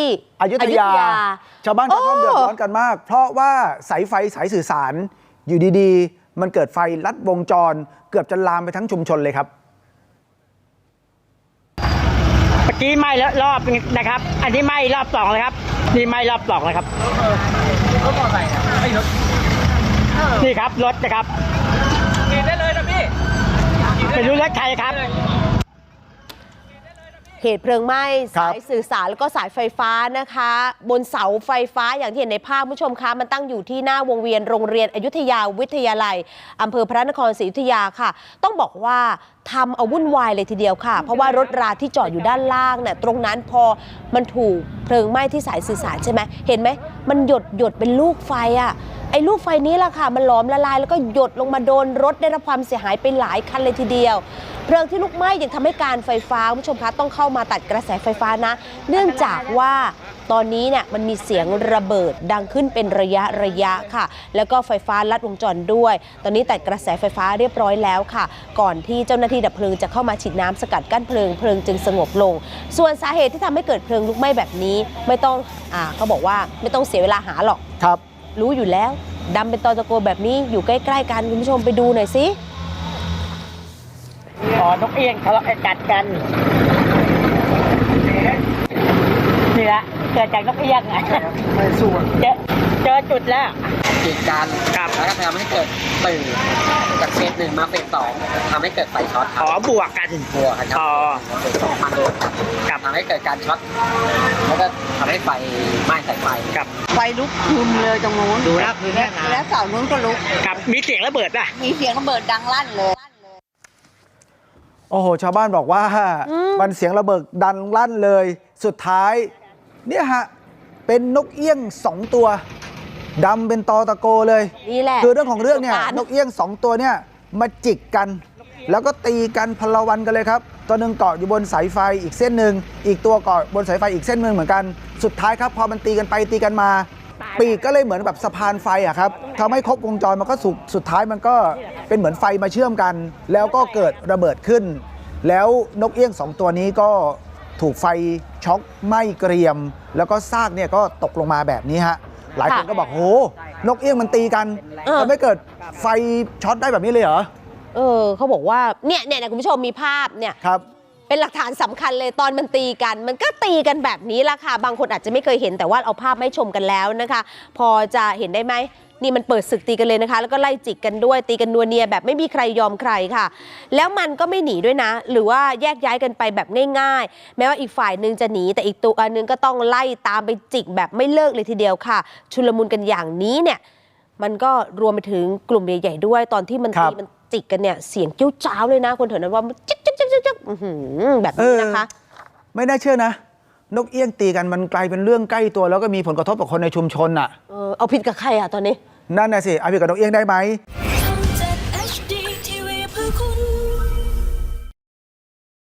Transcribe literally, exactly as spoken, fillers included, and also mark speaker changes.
Speaker 1: อยุธยาชาวบ้านชาวช่องเดือดร้อนกันมากเพราะว่าสายไฟสายสื่อสารอยู่ดีๆมันเกิดไฟลัดวงจรเกือบจะลามไปทั้งชุมชนเลยครับ
Speaker 2: เมื่อกี้ไหม้แล้วรอบนะครับอันนี้ไหม้รอบสองเลยครับนี่ไหม้รอบสองเลยครับรถมอเตอร์ไซค์ไอ้รถนี่ครับรถนะครับกินได้เลยนะพี่เป็นรถใครครับ
Speaker 3: เหตุเพลิงไหม้สายสื่อสารแล้วก็สายไฟฟ้านะคะบนเสาไฟฟ้าอย่างที่เห็นในภาพผู้ชมคะมันตั้งอยู่ที่หน้าวงเวียนโรงเรียนอยุธยาวิทยาลัยอำเภอพระนครศรีอยุธยาค่ะต้องบอกว่าทำเอาวุ่นวายเลยทีเดียวค่ะเพราะว่ารถราที่จอดอยู่ด้านล่างเนี่ยตรงนั้นพอมันถูกเพลิงไหม้ที่สายสื่อสารใช่ไหมเห็นไหมมันหยดหยดเป็นลูกไฟอ่ะไอ้ลูกไฟนี้แหละค่ะมันหลอมละลายแล้วก็หยดลงมาโดนรถได้รับความเสียหายไปหลายคันเลยทีเดียวเพลิงที่ลุกไหม้ยังทำให้การไฟฟ้าคุณผู้ชมคะต้องเข้ามาตัดกระแสไฟฟ้านะเนื่องจากว่าตอนนี้เนี่ยมันมีเสียงระเบิดดังขึ้นเป็นระยะระยะค่ะแล้วก็ไฟฟ้าลัดวงจรด้วยตอนนี้ตัดกระแสไฟฟ้าเรียบร้อยแล้วค่ะก่อนที่เจ้าหน้าที่ดับเพลิงจะเข้ามาฉีดน้ำสกัดกั้นเพลิงเพลิงจึงสงบลงส่วนสาเหตุที่ทำให้เกิดเพลิงลุกไหม้แบบนี้ไม่ต้องอ่าเขาบอกว่าไม่ต้องเสียเวลาหาหรอก
Speaker 1: ครับ
Speaker 3: รู้อยู่แล้วดำเป็นตอตะโกแบบนี้อยู่ใกล้ๆกันคุณผู้ชมไปดูหน่อยสิ
Speaker 2: อ๋อนกเอี้ยงทะเลาะกัดกันนี่แหละเกิดจากนกเอี้ยงไงไม่สู้เจอเจอจุดแล้ว
Speaker 4: กีดกันแล้วก็ทำให้เกิดตื่นจากเฟสหนึ่งมาเฟสสองทำให้เกิดไฟช็อต
Speaker 2: อ๋อบวกกัน
Speaker 4: บวกกันครับเฟสสองมาโดนกับทำให้เกิดการช็อตแล้วก็ทำให้ไฟไหม้สายไฟ
Speaker 2: กับ
Speaker 5: ไฟลุกคืนเลยตรงนู้น
Speaker 4: ดูแล้วคือแน่นอน
Speaker 5: แล้วเสานู้นก็ลุก
Speaker 2: กับมีเสียงระเบิดป่ะ
Speaker 5: มีเสียงระเบิดดังลั่นเลย
Speaker 1: โอ้โหชาวบ้านบอกว่ามันเสียงระเบิดดังลั่นเลยสุดท้ายเนี่ยฮะเป็นนกเอี้ยงสองตัวดำเป็นตอตะโกเลย
Speaker 3: นี่แหละ
Speaker 1: คือเรื่องของเรื่องเนี่ยนกเอี้ยงสองตัวเนี่ยมาจิกกันแล้วก็ตีกันพลวันกันเลยครับตัวหนึ่งเกาะอยู่บนสายไฟอีกเส้นหนึ่งอีกตัวเกาะบนสายไฟอีกเส้นหนึ่งเหมือนกันสุดท้ายครับพอมันตีกันไปตีกันมาปีกก็เลยเหมือนแบบสะพานไฟอะครับทำให้ครบวงจรมันก็สุดสุดท้ายมันก็เป็นเหมือนไฟมาเชื่อมกันแล้วก็เกิดระเบิดขึ้นแล้วนกเอี้ยงสองตัวนี้ก็ถูกไฟช็อคไหม้เกรียมแล้วก็ซากเนี่ยก็ตกลงมาแบบนี้ฮะหลายคนก็บอกโหนกเอี้ยงมันตีกันทำให้เกิดไฟช็อตได้แบบนี้เลยเหรอ
Speaker 3: เออเขาบอกว่าเนี่ยเนี่ยคุณผู้ชมมีภาพเนี่ย
Speaker 1: ครับ
Speaker 3: เป็นหลักฐานสำคัญเลยตอนมันตีกันมันก็ตีกันแบบนี้ละค่ะบางคนอาจจะไม่เคยเห็นแต่ว่าเอาภาพไม่ชมกันแล้วนะคะพอจะเห็นได้ไหมนี่มันเปิดศึกตีกันเลยนะคะแล้วก็ไล่จิกกันด้วยตีกันนัวเนียแบบไม่มีใครยอมใครค่ะแล้วมันก็ไม่หนีด้วยนะหรือว่าแยกย้ายกันไปแบบง่ายๆแม้ว่าอีกฝ่ายนึงจะหนีแต่อีกตัวนึงก็ต้องไล่ตามไปจิกแบบไม่เลิกเลยทีเดียวค่ะชุลมุนกันอย่างนี้เนี่ยมันก็รวมไปถึงกลุ่มใหญ่ๆด้วยตอนที่มันตีมันจิกกันเนี่ยเสียงจิ้วจ้าวเลยนะคนแถวนั้นว่าจิ๊กจิ๊กจิ๊กจิ๊กแบบนี้นะคะ
Speaker 1: ไม่น่าเชื่อนะนกเอี้ยงตีกันมันกลายเป็นเรื่องใกล้ตัวแล้วก็มีผลกระทบกับคนในชุมชนอ่ะ
Speaker 3: เออเอาผิดกับใครอ่ะตอนนี้
Speaker 1: นั่นน่ะสิเอาผิดกับนกเอี้ยงได้ไหม